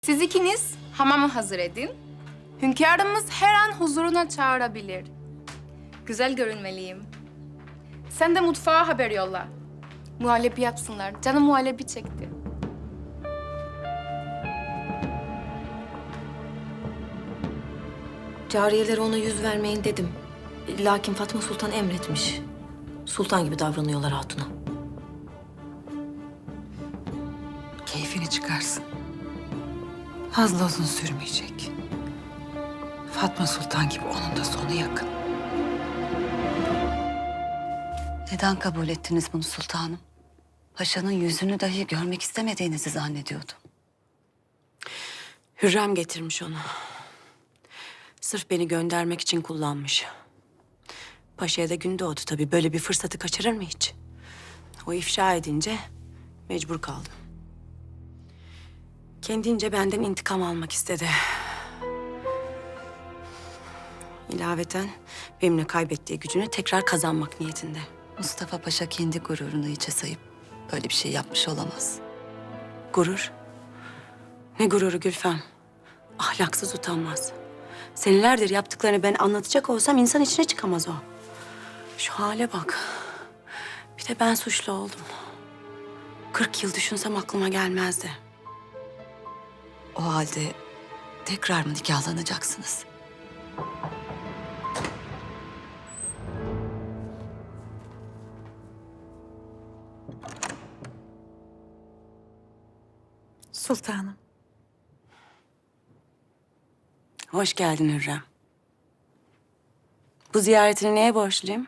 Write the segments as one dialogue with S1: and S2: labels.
S1: Siz ikiniz hamamı hazır edin. Hünkârımız her an huzuruna çağırabilir. Güzel görünmeliyim. Sen de mutfağa haber yolla. Muhallebi yapsınlar. Canım muhallebi çekti.
S2: Cariyelere ona yüz vermeyin dedim. Lakin Fatma Sultan emretmiş. Sultan gibi davranıyorlar hatuna.
S3: Keyfini çıkarsın. Fazla uzun sürmeyecek. Fatma Sultan gibi onun da sonu yakın.
S4: Neden kabul ettiniz bunu sultanım? Paşanın yüzünü dahi görmek istemediğinizi zannediyordum.
S2: Hürrem getirmiş onu. Sırf beni göndermek için kullanmış. Paşa'ya da gün doğdu tabii. Böyle bir fırsatı kaçırır mı hiç? O ifşa edince mecbur kaldım. Kendince benden intikam almak istedi. İlaveten benimle kaybettiği gücünü tekrar kazanmak niyetinde.
S4: Mustafa Paşa kendi gururunu içe sayıp böyle bir şey yapmış olamaz.
S2: Gurur? Ne gururu Gülfem? Ahlaksız, utanmaz. Senelerdir yaptıklarını ben anlatacak olsam insan içine çıkamaz o. Şu hale bak. Bir de ben suçlu oldum. 40 yıl düşünsem aklıma gelmezdi.
S4: O halde tekrar mı nikahlanacaksınız?
S3: Sultanım.
S2: Hoş geldin Hürrem. Bu ziyaretini neye borçluyum?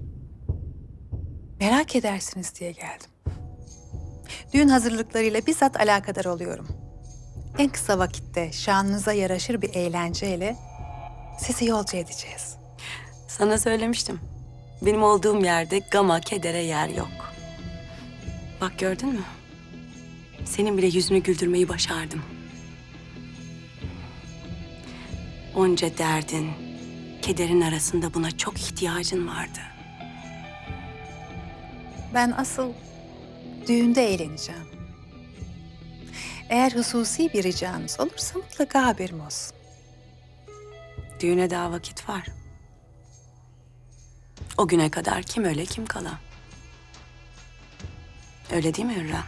S3: Merak edersiniz diye geldim. Düğün hazırlıklarıyla bizzat alakadar oluyorum. En kısa vakitte şanınıza yaraşır bir eğlenceyle sizi yolcu edeceğiz.
S2: Sana söylemiştim. Benim olduğum yerde gama, kedere yer yok. Bak gördün mü? Senin bile yüzünü güldürmeyi başardım. Onca derdin, kederin arasında buna çok ihtiyacın vardı.
S3: Ben asıl düğünde eğleneceğim. Eğer hususi bir ricanız olursa mutlaka haberim olsun.
S2: Düğüne daha vakit var. O güne kadar kim öle kim kala. Öyle değil mi Hürrem?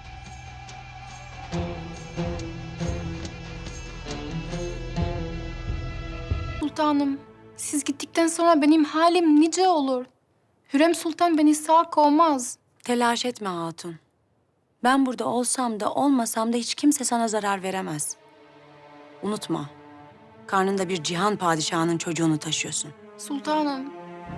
S1: Sultanım, siz gittikten sonra benim halim nice olur. Hürrem Sultan beni sağ kovmaz.
S2: Telaş etme hatun. Ben burada olsam da olmasam da hiç kimse sana zarar veremez. Unutma. Karnında bir cihan padişahının çocuğunu taşıyorsun.
S1: Sultanım,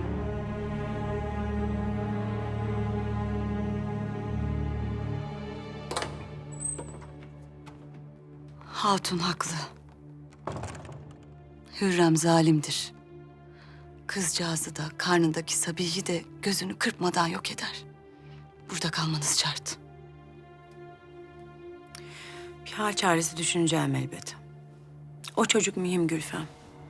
S4: Hatun haklı. Hürrem zalimdir. Kızcağızı da karnındaki Sabihi de gözünü kırpmadan yok eder. Burada kalmanız şart.
S2: Bir hal çaresi düşüneceğim elbet. O çocuk mühim Gülfem.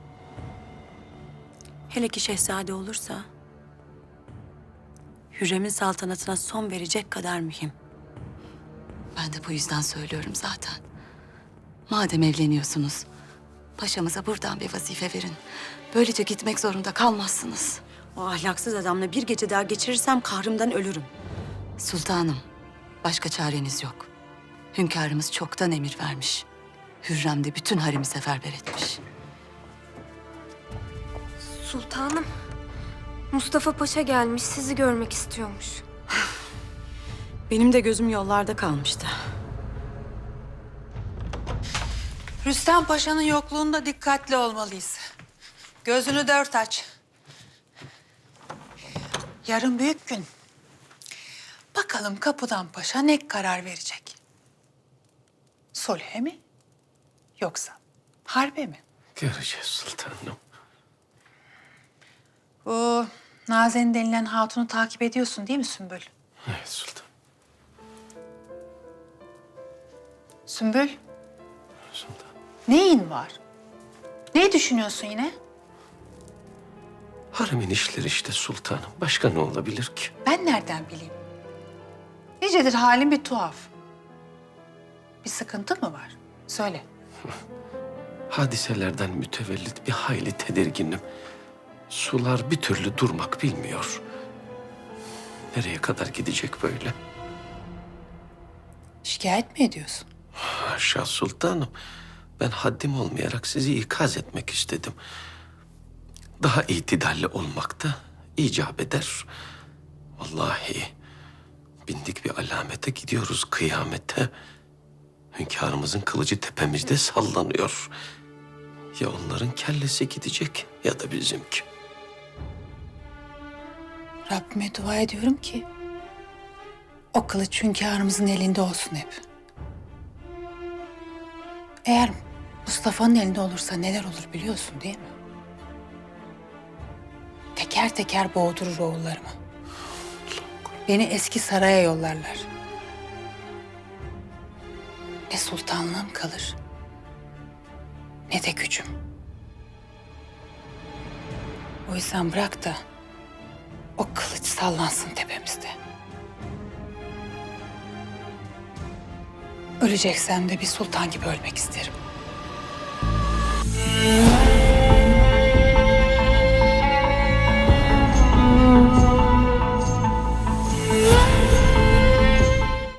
S2: Hele ki şehzade olursa... Hürrem'in saltanatına son verecek kadar mühim.
S4: Ben de bu yüzden söylüyorum zaten. Madem evleniyorsunuz, paşamıza buradan bir vazife verin. Böylece gitmek zorunda kalmazsınız.
S2: O ahlaksız adamla bir gece daha geçirirsem kahrımdan ölürüm.
S4: Sultanım, başka çareniz yok. Hünkârımız çoktan emir vermiş. Hürrem de bütün haremi seferber etmiş.
S5: Sultanım, Mustafa Paşa gelmiş, sizi görmek istiyormuş.
S2: Benim de gözüm yollarda kalmıştı.
S3: Rüstem Paşa'nın yokluğunda dikkatli olmalıyız. Gözünü dört aç. Yarın büyük gün. Bakalım Kapıdan Paşa ne karar verecek? Sulhe mi? Yoksa harbe mi?
S6: Göreceğiz sultanım.
S3: Bu Nazen denilen hatunu takip ediyorsun değil mi Sümbül?
S6: Evet sultan.
S3: Sümbül,
S6: Sultan.
S3: neyin var? Ne düşünüyorsun yine?
S6: Haremin işleri işte sultanım. Başka ne olabilir ki?
S3: Ben nereden bileyim? Nicedir halin bir tuhaf. Bir sıkıntı mı var? Söyle.
S6: Hadiselerden mütevellit bir hayli tedirginim. Sular bir türlü durmak bilmiyor. Nereye kadar gidecek böyle?
S3: Şikayet mi ediyorsun?
S6: Haşa sultanım. Ben haddim olmayarak sizi ikaz etmek istedim. Daha itidalli olmak da icap eder. Vallahi bindik bir alamete gidiyoruz kıyamete. Hünkârımızın kılıcı tepemizde sallanıyor. Ya onların kellesi gidecek ya da bizimki.
S3: Rabbime dua ediyorum ki o kılıç hünkârımızın elinde olsun hep. Eğer Mustafa'nın elinde olursa neler olur biliyorsun değil mi? Teker teker boğdurur oğullarımı. Beni eski saraya yollarlar. Ne sultanlığım kalır, ne de gücüm. O yüzden bırak da o kılıç sallansın tepemizde. Öleceksem de bir sultan gibi ölmek isterim.